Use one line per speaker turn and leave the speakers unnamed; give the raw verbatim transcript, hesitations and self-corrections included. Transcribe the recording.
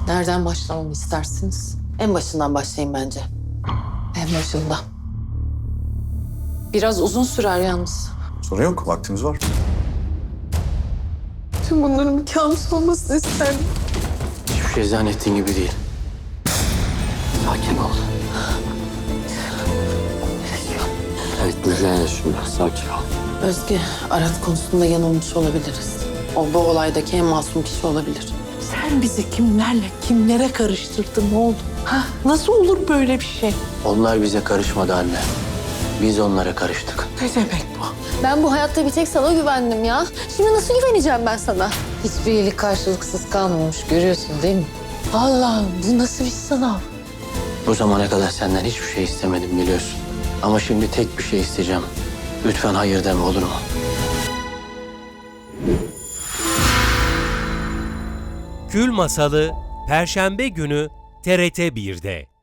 Nereden başlamamı istersiniz? En başından başlayayım bence. En başında. Biraz uzun sürer yalnız.
Sorun yok, vaktimiz var.
Tüm bunların bir kabus olmasını isterdim.
Hiçbir şey zannettiğin gibi değil. Sakin ol. Evet, Müjgan şimdi. Sakin ol.
Özge, Arat konusunda yanılmış olabiliriz. O bu olaydaki en masum kişi olabilir.
Sen bizi kimlerle, kimlere karıştırdın oğlum? Ha, nasıl olur böyle bir şey?
Onlar bize karışmadı anne. Biz onlara karıştık.
Ne demek bu?
Ben bu hayatta bir tek sana güvendim ya. Şimdi nasıl güveneceğim ben sana?
Hiçbir iyilik karşılıksız kalmamış, görüyorsun değil mi?
Allah'ım bu nasıl bir sınav?
Bu zamana kadar senden hiçbir şey istemedim biliyorsun. Ama şimdi tek bir şey isteyeceğim. Lütfen hayır deme, olur mu?
Kül Masalı Perşembe günü T R T bir'de.